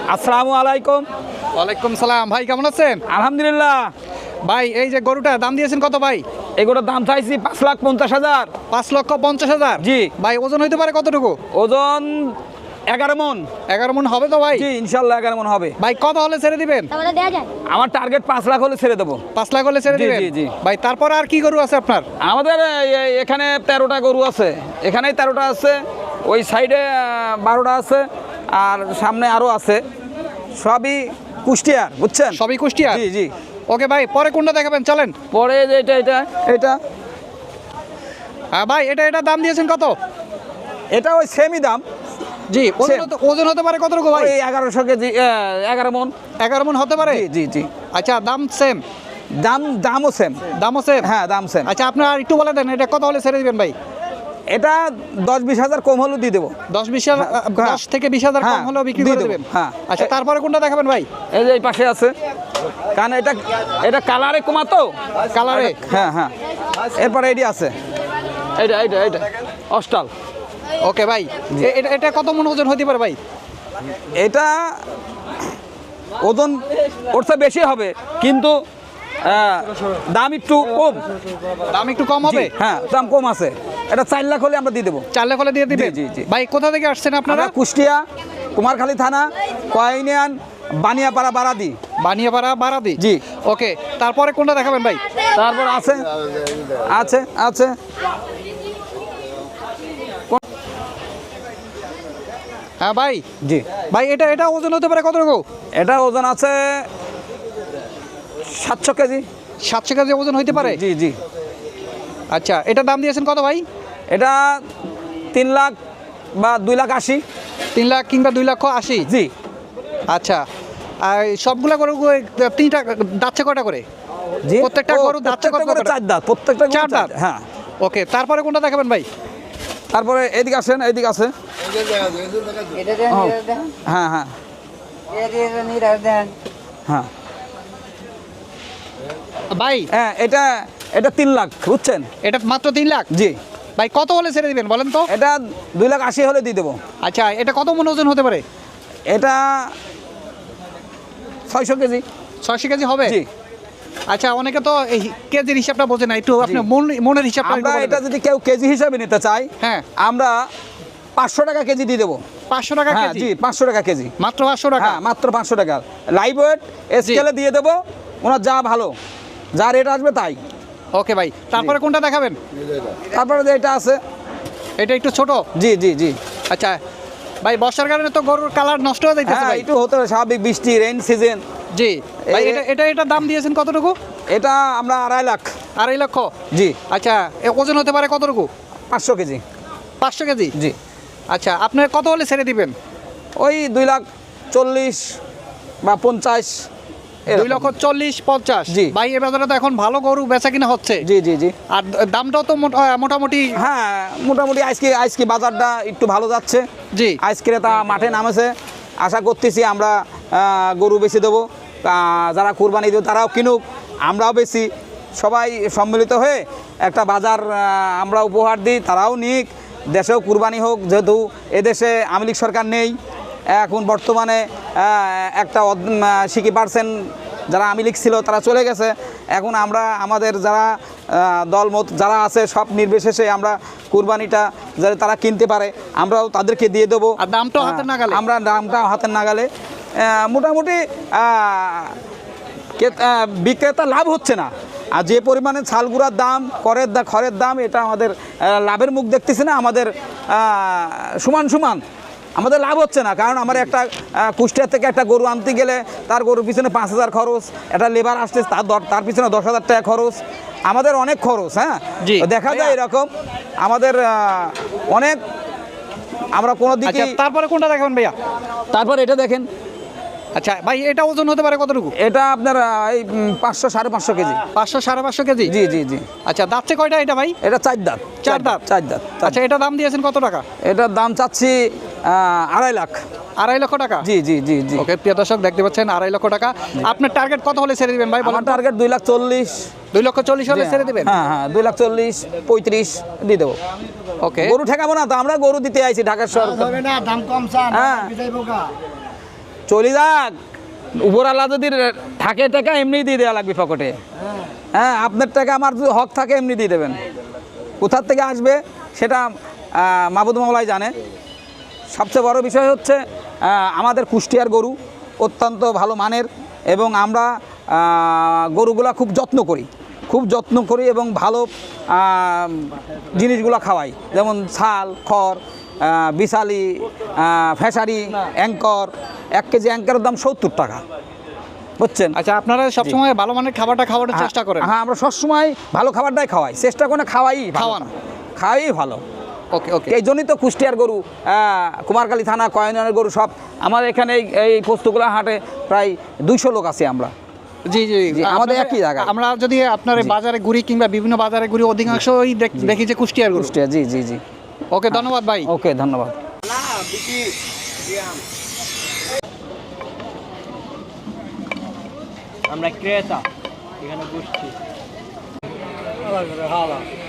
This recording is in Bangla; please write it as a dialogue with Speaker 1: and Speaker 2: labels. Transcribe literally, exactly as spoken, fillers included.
Speaker 1: আসসালামু আলাইকুম।
Speaker 2: ওয়ালাইকুম সালাম। ভাই কেমন আছেন?
Speaker 1: আলহামদুলিল্লাহ।
Speaker 2: ভাই এই যে গরুটা দাম দিয়েছেন কত ভাই?
Speaker 1: এগুলোর দাম চাইছি পাঁচ লাখ পঞ্চাশ হাজার।
Speaker 2: পাঁচ লক্ষ পঞ্চাশ হাজার?
Speaker 1: জি।
Speaker 2: ভাই ওজন হইতে পারে কতটুকু?
Speaker 1: ওজন এগারো মন।
Speaker 2: এগারো মন হবে তো ভাই?
Speaker 1: জি ইনশাল্লাহ এগারো মন হবে।
Speaker 2: ভাই কত হলে ছেড়ে দিবেন?
Speaker 1: আমার টার্গেট পাঁচ লাখ হলে ছেড়ে দেবো।
Speaker 2: পাঁচ লাখ হলে ছেড়ে
Speaker 1: জি,
Speaker 2: দিবেন?
Speaker 1: জি, জি।
Speaker 2: ভাই তারপর আর কি গরু আছে আপনার?
Speaker 1: আমাদের এ- এখানে তেরোটা গরু আছে, এখানেই তেরোটা আছে, ওই সাইডে বারোটা আছে, আর সামনে আরও আছে। সবই কুষ্টিয়ার, বুঝছেন?
Speaker 2: সবই কুষ্টিয়া?
Speaker 1: জি জি।
Speaker 2: ওকে ভাই, পরে কোনটা দেখাবেন চলেন।
Speaker 1: পরে যে এটা এটা এটা
Speaker 2: হ্যাঁ ভাই, এটা এটা দাম দিয়েছেন কত?
Speaker 1: এটা ওই সেমই দাম।
Speaker 2: জি। ওজন
Speaker 1: Same.
Speaker 2: হতে- ওজন হতে পারে কতটুকু ভাই?
Speaker 1: ওই এগারোশো কেজি, এগারো মন।
Speaker 2: এগারো মন হতে পারে?
Speaker 1: জি জি জি।
Speaker 2: আচ্ছা, দাম সেম?
Speaker 1: দাম দামও সেম।
Speaker 2: দামও সেম?
Speaker 1: হ্যাঁ দাম সেম।
Speaker 2: আচ্ছা, আপনার আর একটু বলে দেন এটা কত হলে ছেড়ে দিবেন ভাই?
Speaker 1: এটা দশ বিশ হাজার কম হলেও দিয়ে দেবো।
Speaker 2: দশ বিশ হাজার,
Speaker 1: হ্যাঁ।
Speaker 2: দশ থেকে বিশ হাজার কম
Speaker 1: হ্যাঁ,
Speaker 2: হলেও বিক্রি
Speaker 1: দিয়ে
Speaker 2: করে
Speaker 1: দেবো।
Speaker 2: দেবেন?
Speaker 1: হ্যাঁ।
Speaker 2: আচ্ছা, তারপরে কোনটা দেখাবেন ভাই?
Speaker 1: এই যে এই পাশে আছে, কারণ এটা এটা কালারে কমা তো।
Speaker 2: কালারে?
Speaker 1: হ্যাঁ হ্যাঁ। এরপরে এডি আছে, এইটা এইটা এইটা অস্টাল।
Speaker 2: ওকে ভাই, এ- এটা এটা কত মন ওজন হতে পারে ভাই?
Speaker 1: এটা ওজন ওর চেয়ে বেশি হবে, কিন্তু আহ, দাম একটু কম।
Speaker 2: দাম একটু কম হবে?
Speaker 1: জি, হ্যাঁ দাম কম আছে। এটা চার লাখ হলে আমরা দিয়ে দেবো।
Speaker 2: চার লাখ হলে দিয়ে দিবেন?
Speaker 1: জি, জি, জি।
Speaker 2: ভাই কোথা থেকে আসছেন আপনারা?
Speaker 1: আমরা কুষ্টিয়া, কুমারখালী থানা, কয়নিয়ান, বানিয়াপাড়া, বারাদি।
Speaker 2: বানিয়াপাড়া, বারাদি?
Speaker 1: জি।
Speaker 2: ওকে, তারপরে কোনটা দেখাবেন ভাই?
Speaker 1: তারপর আছে আছে আছে
Speaker 2: হ্যাঁ ভাই।
Speaker 1: জি।
Speaker 2: ভাই এটা এটা ওজন হতে পারে কতটুকু?
Speaker 1: এটা ওজন আছে সাতশো কেজি।
Speaker 2: সাতশো কেজি ওজন হইতে পারে?
Speaker 1: জি জি।
Speaker 2: আচ্ছা, এটা দাম দিয়েছেন কত ভাই?
Speaker 1: এটা তিন লাখ বা দুই লাখ আশি।
Speaker 2: তিন লাখ কিংবা দুই লক্ষ আশি?
Speaker 1: জি।
Speaker 2: আচ্ছা, আর সবগুলা গরু তিনটা দাচ্ছে কটা করে?
Speaker 1: জি।
Speaker 2: প্রত্যেকটা
Speaker 1: ও,
Speaker 2: গরু দাঁতটা
Speaker 1: প্রত্যেকটা
Speaker 2: কত
Speaker 1: করে
Speaker 2: করে?
Speaker 1: চার দাঁত, প্রত্যেকটা গরু
Speaker 2: চার
Speaker 1: চার
Speaker 2: দাঁত?
Speaker 1: দাঁত। হ্যাঁ।
Speaker 2: ওকে, তারপরে কোনটা দেখাবেন ভাই?
Speaker 1: তারপরে এদিকে আসেন, এদিকে আছে। ও, হ্যাঁ হ্যাঁ হ্যাঁ
Speaker 2: ভাই
Speaker 1: হ্যাঁ। এটা এটা তিন লাখ, বুঝছেন?
Speaker 2: এটা মাত্র তিন লাখ?
Speaker 1: জি।
Speaker 2: ভাই কত হলে ছেড়ে দিবেন বলেন তো?
Speaker 1: এটা দুই লাখ আশি হলে দিয়ে দেবো।
Speaker 2: আচ্ছা, এটা কত মন ওজন হতে পারে?
Speaker 1: এটা ছয়শো কেজি।
Speaker 2: ছয়শো কেজি হবে?
Speaker 1: জি।
Speaker 2: আচ্ছা, অনেকে তো এই কেজির হিসাবটা বোঝে না, একটু আপনি মন মনের হিসাবটা একটু
Speaker 1: আমরা
Speaker 2: বলে
Speaker 1: এটা
Speaker 2: দেন।
Speaker 1: যদি কেউ কেজি হিসাবে নিতে চাই,
Speaker 2: হ্যাঁ।
Speaker 1: আমরা পাঁচশো টাকা কেজি দিয়ে দেবো।
Speaker 2: পাঁচশো টাকা
Speaker 1: হ্যাঁ
Speaker 2: কেজি?
Speaker 1: জি, পাঁচশো টাকা কেজি।
Speaker 2: মাত্র পাঁচশো টাকা?
Speaker 1: হ্যাঁ মাত্র পাঁচশো টাকা। লাইভ ওয়েট স্কেলে দিয়ে দেবো, ওনার যা ভালো, যা রেট আসবে তাই।
Speaker 2: ওকে ভাই, তারপরে কোনটা দেখাবেন?
Speaker 1: তারপরে যে এটা আছে,
Speaker 2: এটা একটু ছোট?
Speaker 1: জি জি জি।
Speaker 2: আচ্ছা ভাই, বর্ষার কারণে তো গরুর কালার নষ্ট হয়ে যাইতেছে
Speaker 1: হ্যাঁ
Speaker 2: ভাই।
Speaker 1: একটু হতে হবে, স্বাভাবিক, বৃষ্টি রেইন সিজন।
Speaker 2: জি ভাই,
Speaker 1: এই-
Speaker 2: এটা এটা এটা দাম দিয়েছেন কতটুকু?
Speaker 1: এটা আমরা আড়াই লাখ।
Speaker 2: আড়াই লক্ষ?
Speaker 1: জি।
Speaker 2: আচ্ছা, এ ওজন হতে পারে কতটুকু?
Speaker 1: পাঁচশো কেজি।
Speaker 2: পাঁচশো কেজি?
Speaker 1: জি।
Speaker 2: আচ্ছা, আপনার কত হলে ছেড়ে দিবেন?
Speaker 1: ওই দুই লাখ চল্লিশ বা পঞ্চাশ।
Speaker 2: দুই লক্ষ চল্লিশ পঞ্চাশ?
Speaker 1: জি।
Speaker 2: ভাই এ বাজারে তো এখন ভালো গরু বেচা কিনা হচ্ছে।
Speaker 1: জি জি জি।
Speaker 2: আর দামটাও তো মোটা- মোটামুটি।
Speaker 1: হ্যাঁ মোটামুটি আজকে আজকে বাজারটা একটু ভালো যাচ্ছে।
Speaker 2: জি।
Speaker 1: আজ ক্রেতা মাঠে নামেছে, আশা করতেছি আমরা আহ, গরু বেশি দেবো। আহ, যারা কুরবানি দেবে তারাও কিনুক, আমরাও বেশি, সবাই সম্মিলিত হয়ে একটা বাজার আহ, আমরা উপহার দিই, তারাও নিক, দেশেও কুরবানি হোক। যেহেতু এদেশে আওয়ামী লীগ সরকার নেই এখন বর্তমানে, আহ, একটা সিকি পার্সেন্ট যারা আওয়ামী লীগ ছিল তারা চলে গেছে। এখন আমরা আমাদের যারা আহ, দলমত যারা আছে সব নির্বিশেষে আমরা কুরবানিটা যাতে তারা কিনতে পারে আমরাও তাদেরকে দিয়ে দেবো।
Speaker 2: আর দামটাও হাতের নাগালে?
Speaker 1: আমরা দামটা হাতের নাগালে। আহ, মোটামুটি আহ, কে- আহ, বিক্রেতা লাভ হচ্ছে না, আর যে পরিমাণে ছালগুড়ার দাম, করের দা খড়ের দাম, এটা আমাদের আহ, লাভের মুখ দেখতেছি না। আমাদের আহ, সমান সমান আমাদের লাভ হচ্ছে না, কারণ আমার একটা আহ, কুষ্টিয়া থেকে একটা গরু আনতে গেলে তার গরুর পিছনে পাঁচ হাজার খরচ, একটা লেবার আসতে তার দর- তার পিছনে দশ হাজার টাকা খরচ, আমাদের অনেক খরচ। হ্যাঁ
Speaker 2: জি।
Speaker 1: তো দেখা যায় এরকম আমাদের আহ, অনেক, আমরা কোনো
Speaker 2: আচ্ছা,
Speaker 1: দিকে।
Speaker 2: তারপরে কোনটা দেখাবেন ভাইয়া?
Speaker 1: তারপর এটা দেখেন,
Speaker 2: আচ্ছা ভাই, এটা ওজন হতে পারে কতটুকু?
Speaker 1: এটা আপনার আহ, এই উম, পাঁচশো সাড়ে পাঁচশো কেজি।
Speaker 2: পাঁচশো সাড়ে পাঁচশো কেজি?
Speaker 1: জি জি জি।
Speaker 2: আচ্ছা, দাঁতছে কয়টা এটা ভাই?
Speaker 1: এটা চার দাঁত।
Speaker 2: চার দাঁত?
Speaker 1: চার দাঁত।
Speaker 2: আচ্ছা, এটা দাম দিয়েছেন কত টাকা?
Speaker 1: এটার দাম চাচ্ছি আহ, আড়াই লাখ।
Speaker 2: আড়াই লক্ষ টাকা?
Speaker 1: জি জি জি জি।
Speaker 2: ওকে প্রিয় দর্শক, দেখতে পাচ্ছেন আড়াই লক্ষ টাকা। আপনার টার্গেট কত হলে ছেড়ে দিবেন ভাই বলেন
Speaker 1: আমার
Speaker 2: তো?
Speaker 1: টার্গেট দুই লাখ চল্লিশ।
Speaker 2: দুই লক্ষ চল্লিশ হলে ছেড়ে দিবেন?
Speaker 1: হ্যাঁ হ্যাঁ, দুই লাখ চল্লিশ পঁয়ত্রিশ দিয়ে দেবো।
Speaker 2: ওকে।
Speaker 1: গরু ঠেকাবো না তো, আমরা গরু দিতে আইছি ঢাকার শহর।
Speaker 3: হবে না, দাম কম চান,
Speaker 1: হ্যাঁ।
Speaker 3: বিদায় বোকা।
Speaker 1: চলে যাক, উপরওয়ালা যদি থাকে টাকা এমনি দিয়ে দেওয়া লাগবে পকেটে। হ্যাঁ, আপনার টাকা আমার যদি হক থাকে এমনি দিয়ে দেবেন। কোথার থেকে আসবে সেটা আহ, মাহবুদ মাওলাই জানে। সবচেয়ে বড় বিষয় হচ্ছে আহ, আমাদের কুষ্টিয়ার গরু অত্যন্ত ভালো মানের, এবং আমরা আহ, গরুগুলা খুব যত্ন করি, খুব যত্ন করি এবং ভালো আহ, জিনিসগুলো খাওয়াই, যেমন ছাল, খড়, আহ, বিশালি, আহ, ফেসারি, অ্যাঙ্কর। এক কেজি অ্যাঙ্করের দাম সত্তর টাকা, বুঝছেন?
Speaker 2: আচ্ছা, আপনারা সবসময় ভালো মানের খাবারটা খাওয়ানোর চেষ্টা করেন?
Speaker 1: হ্যাঁ, আমরা সবসময় ভালো খাবারটাই খাওয়াই, চেষ্টা করে খাওয়াই,
Speaker 2: খাওয়ান।
Speaker 1: খাওয়াই ভালো।
Speaker 2: ওকে ওকে।
Speaker 1: এই জন্যই তো কুষ্টিয়ার গরু, আহ, কুমারখালী থানা, কয়নের গরু সব আমাদের এখানে এই- এই পোস্তগুলা হাটে প্রায় দুইশো লোক আছে আমরা।
Speaker 2: জি জি
Speaker 1: জি, আমাদের
Speaker 2: আপনাদের-
Speaker 1: একই জায়গায়।
Speaker 2: আমরা যদি আপনার এই বাজারে ঘুরি কিংবা বিভিন্ন বাজারে ঘুরি, অধিকাংশই দেখ- দেখি যে কুষ্টিয়ার গরু।
Speaker 1: কুষ্টিয়া, জি জি জি।
Speaker 2: ওকে, ধন্যবাদ ভাই।
Speaker 1: ওকে, ধন্যবাদ।
Speaker 3: আমরা ক্রেতা এখানে বসছি।